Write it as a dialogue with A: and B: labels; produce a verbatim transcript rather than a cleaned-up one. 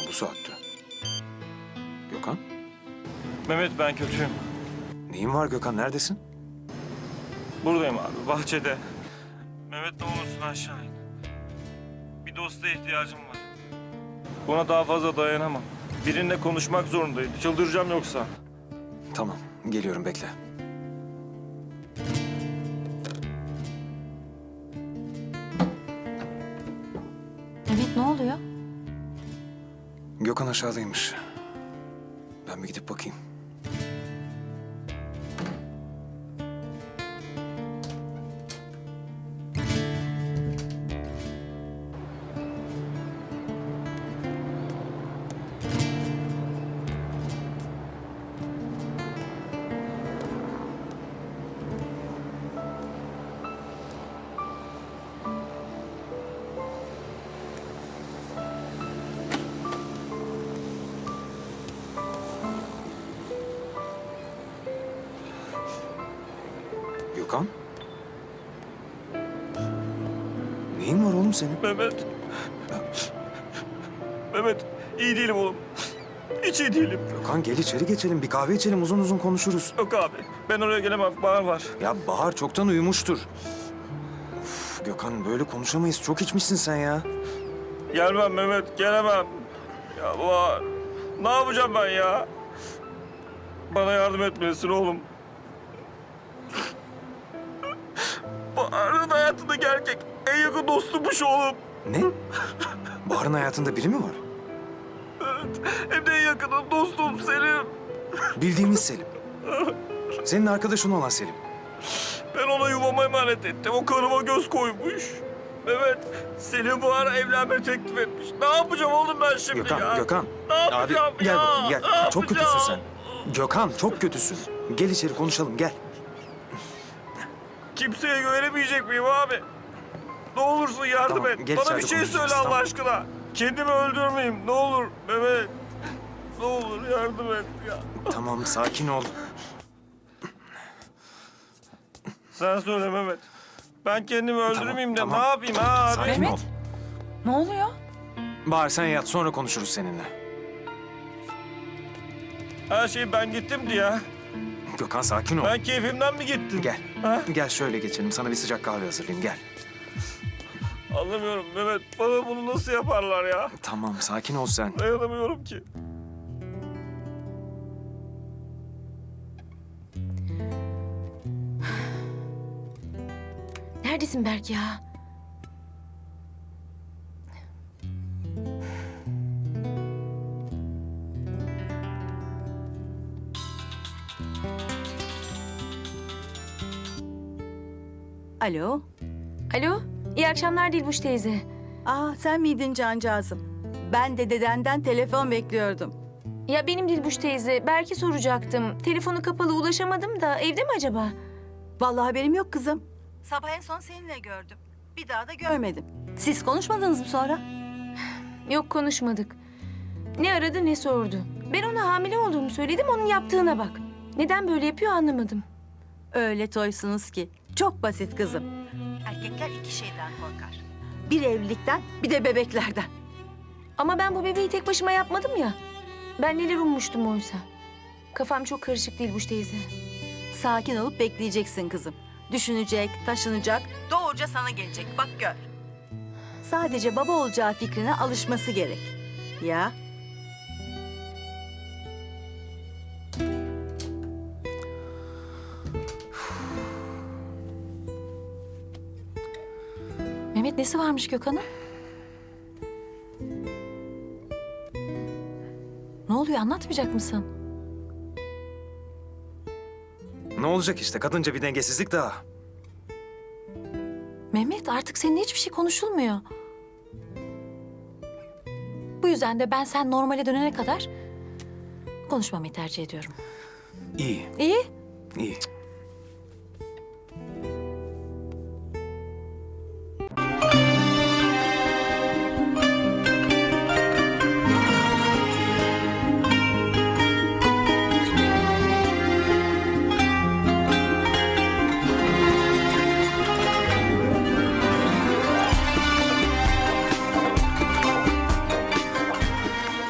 A: bu saatte? Gökhan?
B: Mehmet ben kötüyüm.
A: Neyin var Gökhan? Neredesin?
B: Buradayım abi bahçede. Mehmet ne olursun aşağı in. Bir dosta ihtiyacım var. Buna daha fazla dayanamam. Birinle konuşmak zorundayım. Çıldıracağım yoksa.
A: Tamam, geliyorum bekle.
C: Mehmet ne oluyor?
A: Gökhan aşağıdaymış. Ben bir gidip bakayım. Gökhan? Neyin var oğlum senin?
B: Mehmet. Mehmet iyi değilim oğlum. Hiç iyi değilim.
A: Gökhan gel içeri geçelim. Bir kahve içelim. Uzun uzun konuşuruz.
B: Yok abi ben oraya gelemem. Bahar var.
A: Ya Bahar çoktan uyumuştur. Uf, Gökhan böyle konuşamayız. Çok içmişsin sen ya.
B: Gelmem Mehmet gelemem. Ya Bahar. Ne yapacağım ben ya? Bana yardım etmelisin oğlum. Bahar'ın hayatındaki erkek en yakın dostummuş oğlum.
A: Ne? Bahar'ın hayatında biri mi var?
B: Evet. Hem de en yakınım dostum Selim.
A: Bildiğimiz Selim. Senin arkadaşın olan Selim.
B: Ben ona yuvama emanet ettim. O karıma göz koymuş. Evet, Selim Bahar'a evlenme teklif etmiş. Ne yapacağım oğlum ben şimdi
A: Gökhan,
B: ya?
A: Gökhan.
B: Ne yapacağım
A: Abi, gel
B: ya?
A: bakayım gel.
B: Ne
A: Çok kötüsün
B: yapacağım?
A: sen. Gökhan çok kötüsün. Gel içeri konuşalım gel.
B: Kimseye güvenemeyecek miyim abi? Ne olursun yardım
A: Tamam,
B: et.
A: gel
B: Bana
A: içeride
B: bir şey
A: konuşacağız,
B: söyle Allah
A: tamam.
B: aşkına. Kendimi öldürmeyeyim. Ne olur Mehmet. Ne olur yardım et ya.
A: Tamam sakin ol.
B: Sen söyle Mehmet. Ben kendimi öldürmeyeyim de
A: tamam.
B: ne yapayım ha abi?
A: Sakin
C: Mehmet.
A: ol.
C: Ne oluyor?
A: Bahar sen yat sonra konuşuruz seninle.
B: Her şey ben gittim diye.
A: Gökhan sakin ol.
B: Ben keyfimden mi gittim?
A: Gel.
B: Ha?
A: Gel şöyle geçelim. Sana bir sıcak kahve hazırlayayım gel.
B: Anlamıyorum Mehmet. Bana bunu nasıl yaparlar ya?
A: Tamam sakin ol sen.
B: Dayanamıyorum ki.
C: Neredesin Berk ya?
D: Alo.
C: Alo, iyi akşamlar Dilbuş teyze.
D: Aa sen miydin cancağızım? Ben de dedenden telefon bekliyordum.
C: Ya benim Dilbuş teyze, Berk'i soracaktım. Telefonu kapalı ulaşamadım da evde mi acaba?
D: Vallahi haberim yok kızım. Sabah en son seninle gördüm. Bir daha da görmedim. Siz konuşmadınız mı sonra?
C: Yok konuşmadık. Ne aradı ne sordu. Ben ona hamile olduğumu söyledim, onun yaptığına bak. Neden böyle yapıyor anlamadım.
D: Öyle toysunuz ki. Çok basit kızım. Erkekler iki şeyden korkar. Bir evlilikten, bir de bebeklerden.
C: Ama ben bu bebeği tek başıma yapmadım ya. Ben neler ummuştum oysa. Kafam çok karışık Dilbuş teyze.
D: Sakin olup bekleyeceksin kızım. Düşünecek, taşınacak, doğruca sana gelecek. Bak gör. Sadece baba olacağı fikrine alışması gerek. Ya.
C: Mehmet nesi varmış Gökhan'ın? Ne oluyor anlatmayacak mısın?
A: Ne olacak işte kadınca bir dengesizlik daha.
E: Mehmet artık seninle hiçbir şey konuşulmuyor. Bu yüzden de ben sen normale dönene kadar konuşmamayı tercih ediyorum.
A: İyi,
E: İyi.
A: iyi.